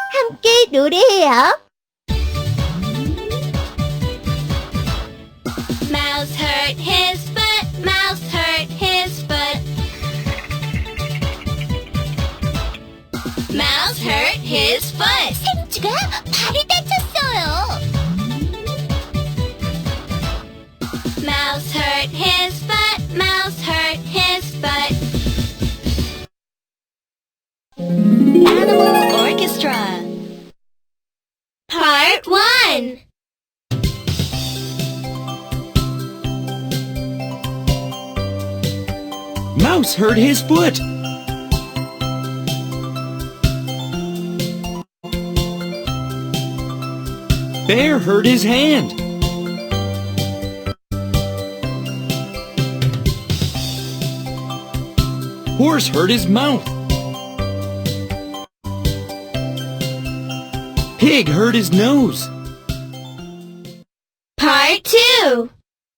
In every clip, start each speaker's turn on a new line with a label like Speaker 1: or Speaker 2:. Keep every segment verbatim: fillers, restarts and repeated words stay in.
Speaker 1: 함께 노래해요.
Speaker 2: Mouse hurt his foot. Mouse hurt his foot. Mouse hurt his foot.
Speaker 1: 생쥐가 발을 다쳤어요.
Speaker 2: Mouse hurt his foot. Mouse hurt his foot. Animal Orchestra. Part one.
Speaker 3: Mouse hurt his foot. Bear hurt his hand. Horse hurt his mouth. Pig hurt his nose.
Speaker 2: Part two.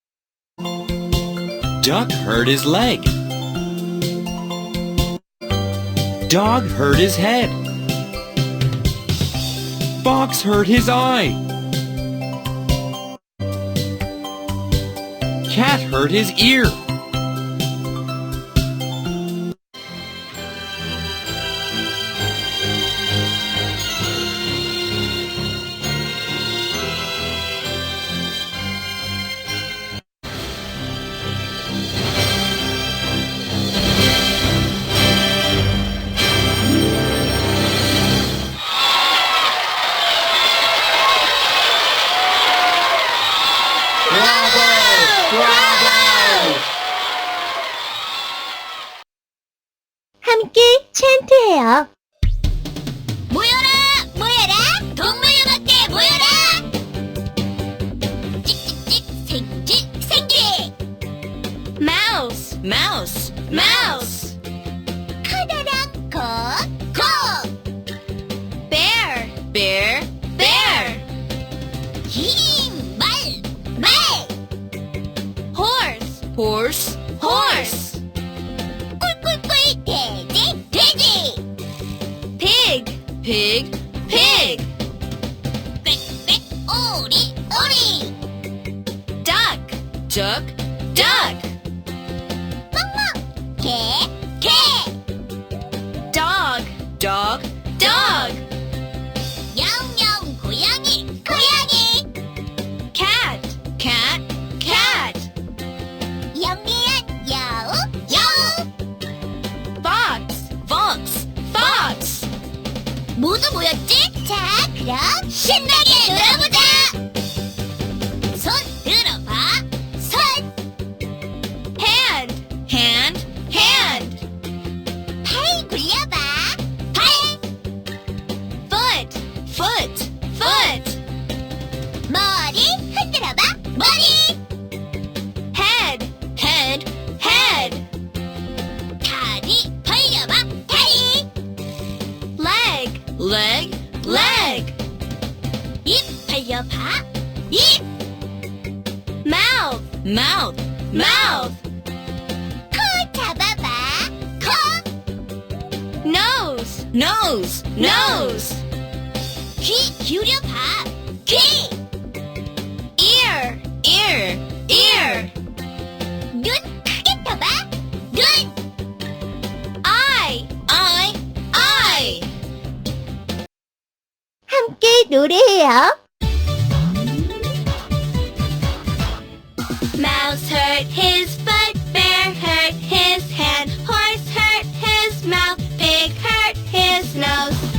Speaker 3: Duck hurt his leg. Dog hurt his head. Fox hurt his eye. Cat hurt his ear.
Speaker 1: 함께 찬트해요.
Speaker 2: 모여라! 모여라! 동물영화께 모여라! 찍찍찍 생쥐 생쥐! Mouse, mouse, mouse!
Speaker 1: 커다란 것,
Speaker 2: 고! Bear, bear, bear!
Speaker 1: 긴 말, 말.
Speaker 2: Horse, horse, horse!
Speaker 1: 꿀꿀꿀 돼지, 돼지.
Speaker 2: Pig, pig, pig!
Speaker 1: 빽빽 오리, 오리.
Speaker 2: Duck, duck, duck!
Speaker 1: 멍멍, 개, 개.
Speaker 2: Dog, dog, dog!
Speaker 1: 영영 고양이, 고양이.
Speaker 2: Cat, cat, cat!
Speaker 1: 영리한 여우, 여우.
Speaker 2: Fox, fox, fox!
Speaker 1: 모두 모였지? 자, 그럼 신나게 놀아보자. 손 들어봐, 손.
Speaker 2: Hand, hand, hand!
Speaker 1: 팔 굴려봐, 팔.
Speaker 2: Foot, foot, foot!
Speaker 1: 머리 흔들어봐, 머리.
Speaker 2: Head, head, head!
Speaker 1: 다리 벌려봐, 다리.
Speaker 2: Leg, leg, leg!
Speaker 1: 입 벌려봐, 입.
Speaker 2: Mouth, mouth, mouth!
Speaker 1: 코 잡아봐, 코.
Speaker 2: Nose, nose, nose!
Speaker 1: 귀 기울여봐, 귀.
Speaker 2: Ear, ear, ear!
Speaker 1: 눈 크게 떠봐, 눈.
Speaker 2: Eye, eye, eye!
Speaker 1: 함께 노래해요.
Speaker 2: Mouse hurt his foot, bear hurt his hand, horse hurt his mouth, pig hurt his nose.